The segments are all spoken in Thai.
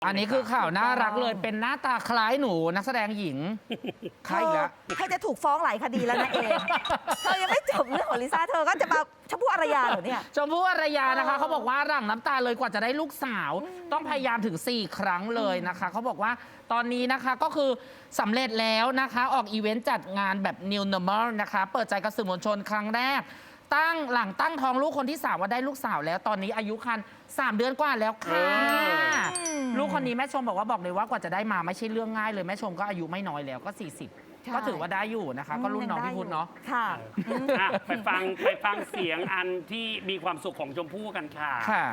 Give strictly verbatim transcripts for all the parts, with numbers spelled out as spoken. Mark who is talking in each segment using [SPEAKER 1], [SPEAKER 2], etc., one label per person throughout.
[SPEAKER 1] อันนี้คือข่าวน่ารักเลยเป็นหน้าตาคล้ายหนูนักแสดงหญิงใครอีกแล้ว
[SPEAKER 2] เธอจะถูกฟ้องหลายคดีแล้วนะเองเธอยังไม่จบเรื่องของลิซ่าเธอก็จะมาชมพู่อารยาเหรอเนี่ย
[SPEAKER 1] ชมพู่อารยานะคะเขาบอกว่าหลั่งน้ำตาเลยกว่าจะได้ลูกสาว ต้องพยายามถึงสี่ครั้งเลยนะคะเขาบอกว่าตอนนี้นะคะก็คือสำเร็จแล้วนะคะออกอีเวนต์จัดงานแบบ New Normal นะคะเปิดใจกับสื่อมวลชนครั้งแรกตั้งหลังตั้งท้องลูกคนที่สามว่าได้ลูกสาวแล้วตอนนี้อายุครรภ์สามเดือนกว่าแล้วค่ะลูกคนนี้แม่ชมบอกว่าบอกเลยว่ากว่าจะได้มาไม่ใช่เรื่องง่ายเลยแม่ชมก็อายุไม่น้อยแล้วก็สี่สิบก็ถือว่าได้อยู่นะคะก็รุ่นน้องพี่พุทธเนาะ
[SPEAKER 2] ค่ะ
[SPEAKER 3] อ่ะไปฟังไปฟังเสียงอันที่มีความสุขของชมพู่กันค่ะ
[SPEAKER 1] ค่ะ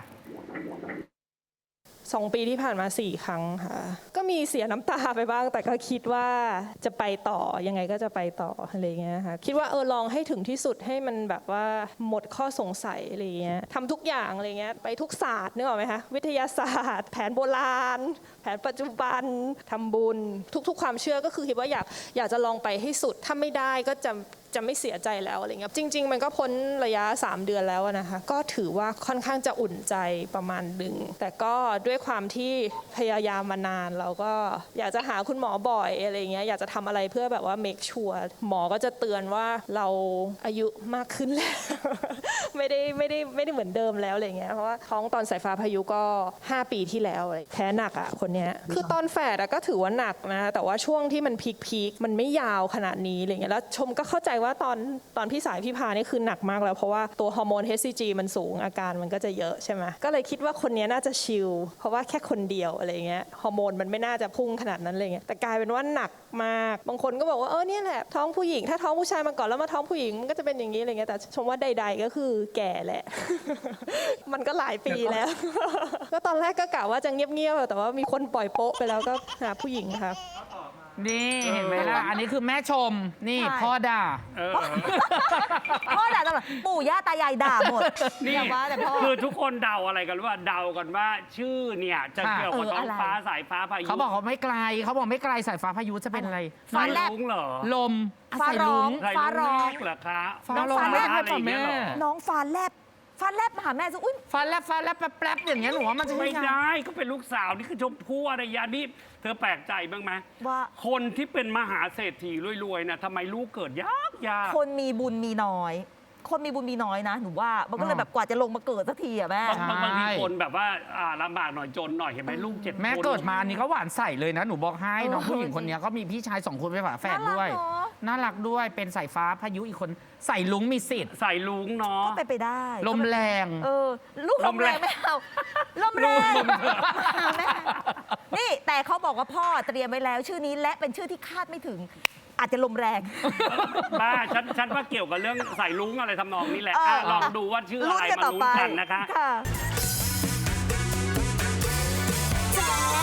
[SPEAKER 4] สองปีที่ผ่านมาสี่ครั้งค่ะก็มีเสียน้ำตาไปบ้างแต่ก็คิดว่าจะไปต่อยังไงก็จะไปต่ออะไรเงี้ยค่ะคิดว่าเออลองให้ถึงที่สุดให้มันแบบว่าหมดข้อสงสัยอะไรเงี้ยทำทุกอย่างอะไรเงี้ยไปทุกศาสตร์นึกออกไหมคะวิทยาศาสตร์ แผนโบราณ แผนปัจจุบันทำบุญทุกๆความเชื่อก็คือคิดว่าอยากอยากจะลองไปให้สุดถ้าไม่ได้ก็จะจะไม่เสียใจแล้วอะไรเงี้ยจริงๆมันก็พ้นระยะสามเดือนแล้วนะคะก็ถือว่าค่อนข้างจะอุ่นใจประมาณหนึ่งแต่ก็ด้วยความที่พยายามมานานเราก็อยากจะหาคุณหมอบ่อยอะไรเงี้ยอยากจะทำอะไรเพื่อแบบว่า make sure หมอก็จะเตือนว่าเราอายุมากขึ้นแล้ว ไม่ได้ไม่ได้ไม่ได้เหมือนเดิมแล้วอะไรเงี้ยเพราะว่าท้องตอนสายฟ้าพายุก็ห้าปีที่แล้วแพ้หนักอ่ะคนเนี้ยคือตอนแฝดก็ถือว่าหนักนะแต่ว่าช่วงที่มันพีคพีคมันไม่ยาวขนาดนี้อะไรเงี้ยแล้วชมก็เข้าใจว่าตอนตอนพี่สายพี่พานี่คือหนักมากแล้วเพราะว่าตัวฮอร์โมน เอช ซี จี มันสูงอาการมันก็จะเยอะใช่ไหมก็เลยคิดว่าคนนี้น่าจะชิลเพราะว่าแค่คนเดียวอะไรเงี้ยฮอร์โมนมันไม่น่าจะพุ่งขนาดนั้นเลยเงี้ยแต่กลายเป็นว่าหนักมากบางคนก็บอกว่าเออเนี่ยแหละท้องผู้หญิงถ้าท้องผู้ชายมาก่อนแล้วมาท้องผู้หญิงมันก็จะเป็นอย่างนี้อะไรเงี้ยแต่ชมว่าใดๆก็คือแก่แหละ มันก็หลายปีแล้ว ก็ตอนแรกก็กะว่าจะเงียบๆแต่ว่ามีคนปล่อยโป๊ะไปแล้วก็หาผู้หญิงค่ะ
[SPEAKER 1] นี่เห็นไหมล่ะอันนี้คือแม่ชมนี่พ่อด่า
[SPEAKER 3] เออ
[SPEAKER 2] พ่อด่าตลอดปู่ย่าตายายด่าหมด
[SPEAKER 3] นี่
[SPEAKER 2] อย่าว่าแต่พ่อ
[SPEAKER 3] คือทุกคนเดาอะไรกันว่าเดากันว่าชื่อเนี่ยจะ
[SPEAKER 1] ค่ะ
[SPEAKER 3] เกี่ยวกับ
[SPEAKER 2] เออ
[SPEAKER 3] ท้อง
[SPEAKER 2] อะไร
[SPEAKER 3] ฟ้าสายฟ้าพายุ
[SPEAKER 1] เขาบอกเขาไม่ไกลเขาบอกไม่ไกลสายฟ้าพายุจะเป็นอะไร
[SPEAKER 3] ฟ้า
[SPEAKER 2] แลบ
[SPEAKER 3] ลุงเหรอ
[SPEAKER 1] ลม
[SPEAKER 2] ฟ้าร้อง
[SPEAKER 3] ใส่
[SPEAKER 2] ฟ้า
[SPEAKER 3] ลุ
[SPEAKER 2] ร้
[SPEAKER 3] ง
[SPEAKER 2] อง
[SPEAKER 3] แรกเหรอคะ
[SPEAKER 1] ฟ้า
[SPEAKER 2] น้อง
[SPEAKER 1] ร้อง
[SPEAKER 2] ฟ้าแลบ
[SPEAKER 1] ให้ป่ะแม่
[SPEAKER 2] น้องฟ้าแลบฟ้าแลบมาหาแม่ซะอุ้ย
[SPEAKER 1] ฟ้าแลบฟ้าแลบแป๊บๆอย่างเงี้ยหนูว่ามันจะ
[SPEAKER 3] ไม่
[SPEAKER 1] ใช่
[SPEAKER 3] ได้ก็เป็นลูกสาวนี่คือชมพู่อารยานี่เธอแปลกใจบ้างไหม
[SPEAKER 2] ว่า
[SPEAKER 3] คนที่เป็นมหาเศรษฐีรวยๆนะทำไมลูกเกิดยากยาก
[SPEAKER 2] คนมีบุญมีน้อย คนมีบุญมีน้อยนะหนูว่ามันก็เลยแบบกว่าจะลงมาเกิดสักทีอะแม่
[SPEAKER 3] บางบางบางทีคนแบบว่าอ่าลำบากหน่อยจนหน่อยเห็นไหมลูกเจ็ดคน
[SPEAKER 1] แม่เกิดมาอันนี้ก็หวานใส่เลยนะหนูบอกให้น้องผู้หญิงคนนี้ก็มีพี่ชายสองคนเป็นฝาแฝดด้วย
[SPEAKER 2] น่ารักเนอะ
[SPEAKER 1] น่ารักด้วยเป็นสายฟ้าพายุอีกคนใส่ลุงมีสิทธิ์
[SPEAKER 3] ใส่ลุงเนาะ
[SPEAKER 2] ก็ไปนไปได้
[SPEAKER 1] ลมแรง
[SPEAKER 2] เออลูกลมแรงไม่เอาลมแรงมาแม่นี่แต่เขาบอกว่าพ่อเตรียมไว้แล้วชื่อนี้และเป็นชื่อที่คาดไม่ถึง อาจจะลมแรง
[SPEAKER 3] บ้าฉันฉันว่าเกี่ยวกับเรื่องใส่ลุงอะไรทำนองนี้แหละ
[SPEAKER 2] เออ
[SPEAKER 3] อ่ะลองดูว่าชื่ออะไร
[SPEAKER 2] ลุ้นกัน
[SPEAKER 3] มา
[SPEAKER 2] ต่อ
[SPEAKER 3] ลุ้
[SPEAKER 2] ไป
[SPEAKER 3] นกันนะคะ
[SPEAKER 2] ค่ะ